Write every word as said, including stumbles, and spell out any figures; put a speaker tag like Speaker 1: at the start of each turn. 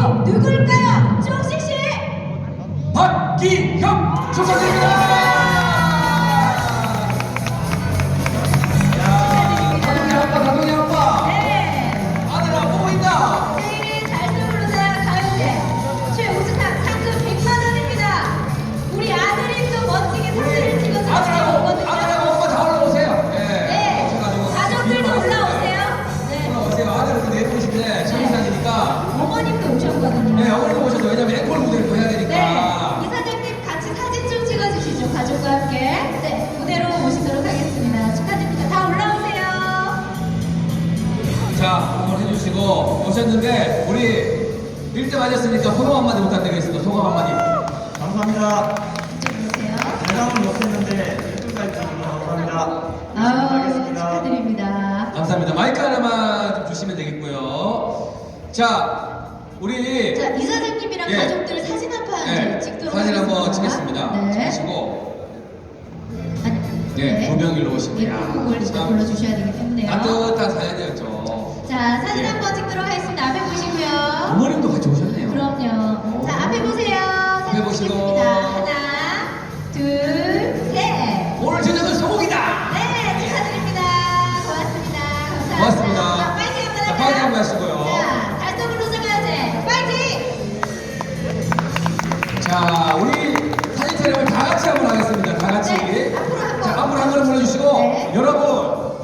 Speaker 1: 바로 누굴까요? 종식 씨.
Speaker 2: 박기형 축하드립니다. 야, 가동이 아빠, 가동이 아빠.
Speaker 1: 네.
Speaker 2: 아들아 보고 있다.
Speaker 1: 생일은 달성 부르자 가요제 최우수상 상금 백만 원입니다. 우리 아들이 또 멋지게 사진을 찍어서
Speaker 2: 아들하고
Speaker 1: 올라오거든요.
Speaker 2: 아들하고 엄마 다 올라오세요. 예.
Speaker 1: 네.
Speaker 2: 오셔가지고
Speaker 1: 가족들도
Speaker 2: 기뻐하세요.
Speaker 1: 올라오세요. 네.
Speaker 2: 올라오세요. 아들은 근데 예쁘신데 청소년이니까.
Speaker 1: 어머님도 오셨거든요.
Speaker 2: 네, 어머님 오셔도 왜냐면 앵콜 무대를 또 해야 되니까.
Speaker 1: 네, 이사장님 같이 사진 좀 찍어주시죠. 가족과 함께. 네, 무대로 모시도록 하겠습니다. 축하드립니다. 다 올라오세요.
Speaker 2: 자, 응원 해주시고 오셨는데 우리 일 등 하셨으니까 소감 한마디 부탁드리겠습니다. 소감 한마디.
Speaker 3: 감사합니다.
Speaker 1: 이쪽 보세요.
Speaker 3: 대상은 못했는데 일 등까지 주셔서 감사합니다.
Speaker 1: 아유,
Speaker 3: 하겠습니다.
Speaker 1: 축하드립니다.
Speaker 2: 감사합니다. 마이크 하나만 좀 주시면 되겠고요. 자, 우리
Speaker 1: 자, 이사장님이랑
Speaker 2: 예.
Speaker 1: 가족들 사진 한 판
Speaker 2: 네,
Speaker 1: 찍도록
Speaker 2: 사진 한번
Speaker 1: 하겠습니다.
Speaker 2: 찍겠습니다.
Speaker 1: 네.
Speaker 2: 찍으시고
Speaker 1: 아니,
Speaker 2: 예, 조명일로 오시면
Speaker 1: 예, 곡을 일단 불러주셔야 되기 때문에요.
Speaker 2: 따뜻한 사연이었죠.
Speaker 1: 자, 사진
Speaker 2: 예.
Speaker 1: 한번 찍도록 하겠습니다. 앞에 보시고요.
Speaker 2: 어머님도 같이 오셨네요.
Speaker 1: 그럼요. 자, 앞에 보세요.
Speaker 2: 앞에
Speaker 1: 사진
Speaker 2: 보시고.
Speaker 1: 찍겠습니다. 하나, 둘,